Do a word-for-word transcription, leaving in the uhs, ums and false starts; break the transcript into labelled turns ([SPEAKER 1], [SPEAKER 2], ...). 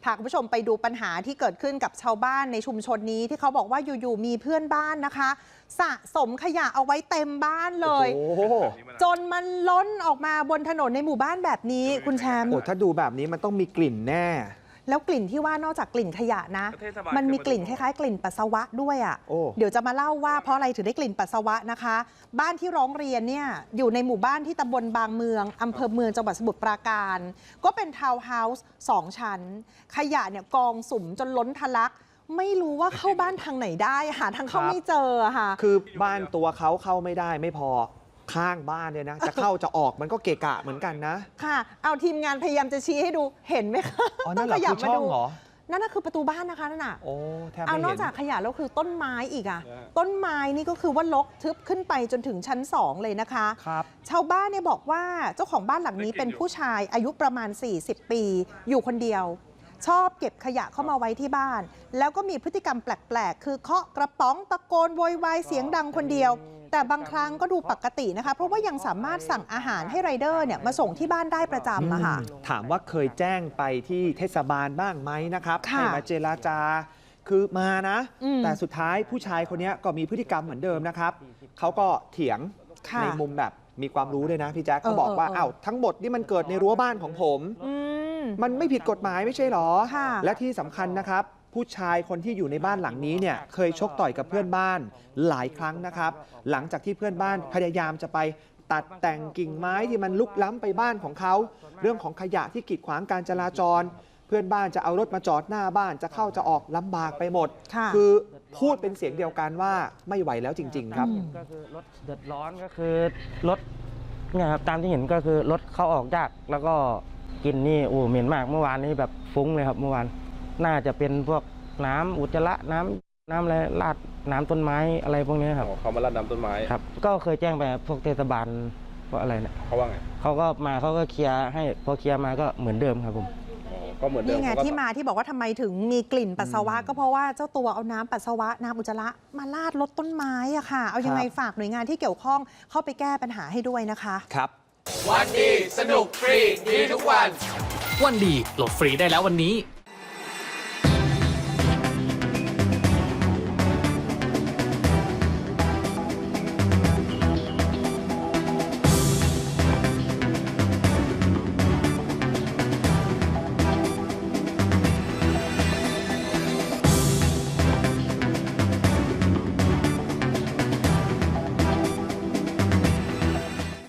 [SPEAKER 1] าคุณผู้ชมไปดูปัญหาที่เกิดขึ้นกับชาวบ้านในชุมชนนี้ที่เขาบอกว่าอยู่ๆมีเพื่อนบ้านนะคะสะสมขยะเอาไว้เต็มบ้านเลยจนมันล้นออกมาบนถนนในหมู่บ้านแบบนี้คุณแชมป์
[SPEAKER 2] โอ้ถ้าดูแบบนี้มันต้องมีกลิ่นแน่
[SPEAKER 1] แล้วกลิ่นที่ว่านอกจากกลิ่นขยะนะมันมีกลิ่นคล้ายๆกลิ่นปัสสาวะด้วยอ่ะเดี๋ยวจะมาเล่าว่าเพราะอะไรถึงได้กลิ่นปัสสาวะนะคะบ้านที่ร้องเรียนเนี่ยอยู่ในหมู่บ้านที่ตำบลบางเมืองอำเภอเมืองจังหวัดสมุทรปราการก็เป็นทาวน์เฮาส์สองชั้นขยะเนี่ยกองสุมจนล้นทะลักไม่รู้ว่าเข้าบ้านทางไหนได้หาทางเข้าไม่เจอค่ะ
[SPEAKER 2] คือบ้านตัวเขาเข้าไม่ได้ไม่พอข้างบ้านเนี่ยนะจะเข้าจะออกมันก็เกะกะเหมือนกันนะ
[SPEAKER 1] ค่ะเอาทีมงานพยายามจะชี้ให้ดูเห็นไหมคะ
[SPEAKER 2] อ๋อนั่นแหละคือช่องเหรอ
[SPEAKER 1] นั่นน่ะคือประตูบ้านนะคะนั่นน่ะ
[SPEAKER 2] โอ้แทบไม่เห็น
[SPEAKER 1] เอานอกจากขยะแล้วคือต้นไม้อีกอ่ะต้นไม้นี่ก็คือว่าลกทึบขึ้นไปจนถึงชั้นสองเลยนะคะ
[SPEAKER 2] ครับ
[SPEAKER 1] ชาวบ้านเนี่ยบอกว่าเจ้าของบ้านหลังนี้เป็นผู้ชายอายุประมาณสี่สิบปีอยู่คนเดียวชอบเก็บขยะเข้ามาไว้ที่บ้านแล้วก็มีพฤติกรรมแปลกๆคือเคาะกระป๋องตะโกนโวยวายเสียงดังคนเดียวแต่บางครั้งก็ดูปกตินะคะเพราะว่ายังสามารถสั่งอาหารให้ไรเดอร์เนี่ยมาส่งที่บ้านได้ประจำอะค่ะ
[SPEAKER 2] ถามว่าเคยแจ้งไปที่เทศบาลบ้างไหมนะครับให้มาเจรจาคือมานะแต่สุดท้ายผู้ชายคนนี้ก็มีพฤติกรรมเหมือนเดิมนะครับเขาก็เถียงในมุมแบบมีความรู้ด้วยนะพี่แจ๊คเขาบอกว่าอ้าวทั้งหมดนี่มันเกิดในรั้วบ้านของผมมันไม่ผิดกฎหมายไม่ใช่หรอและที่สำคัญนะครับผู้ชายคนที่อยู่ในบ้านหลังนี้เนี่ยเคยชกต่อยกับเพื่อนบ้านหลายครั้งนะครับหลังจากที่เพื่อนบ้านพยายามจะไปตัดแต่งกิ่งไม้ที่มันลุกล้ำไปบ้านของเขาเรื่องของขยะที่กีดขวางการจราจรเพื่อนบ้านจะเอารถมาจอดหน้าบ้านจะเข้าจะออกลำบากไปหมดคือพูดเป็นเสียงเดียวกันว่าไม่ไหวแล้วจริงๆครับ
[SPEAKER 3] ก็คือรถเดือดร้อนก็คือรถเนี่ยครับตามที่เห็นก็คือรถเข้าออกยากแล้วก็กินนี่โอ้เหม็นมากเมื่อวานนี้แบบฟุ้งเลยครับเมื่อวานน่าจะเป็นพวกน้ำอุจจาระน้ำน้ำอะไรราดน้ำต้นไม้อะไรพวกนี้ครับ
[SPEAKER 4] เขามาราดน้ำต้นไม้
[SPEAKER 3] ครับก็เคยแจ้งไปพวกเทศบาลว่าอะไรเนี่ย
[SPEAKER 4] เขาว่าไง
[SPEAKER 3] เขาก็มาเขาก็เคลียร์ให้พอเคลียร์มาก็เหมือนเดิมครับผม
[SPEAKER 4] ก็เหมือนเดิม
[SPEAKER 1] นี่ไงที่มาที่บอกว่าทำไมถึงมีกลิ่นปัสสาวะก็เพราะว่าเจ้าตัวเอาน้ำปัสสาวะน้ำอุจจาระมาราดรถต้นไม้อะค่ะเอายังไงฝากหน่วยงานที่เกี่ยวข้องเข้าไปแก้ปัญหาให้ด้วยนะคะ
[SPEAKER 2] ครับ
[SPEAKER 5] วันดีสนุกฟรีดีทุกวัน
[SPEAKER 6] วันดีโหลดฟรีได้แล้ววันนี้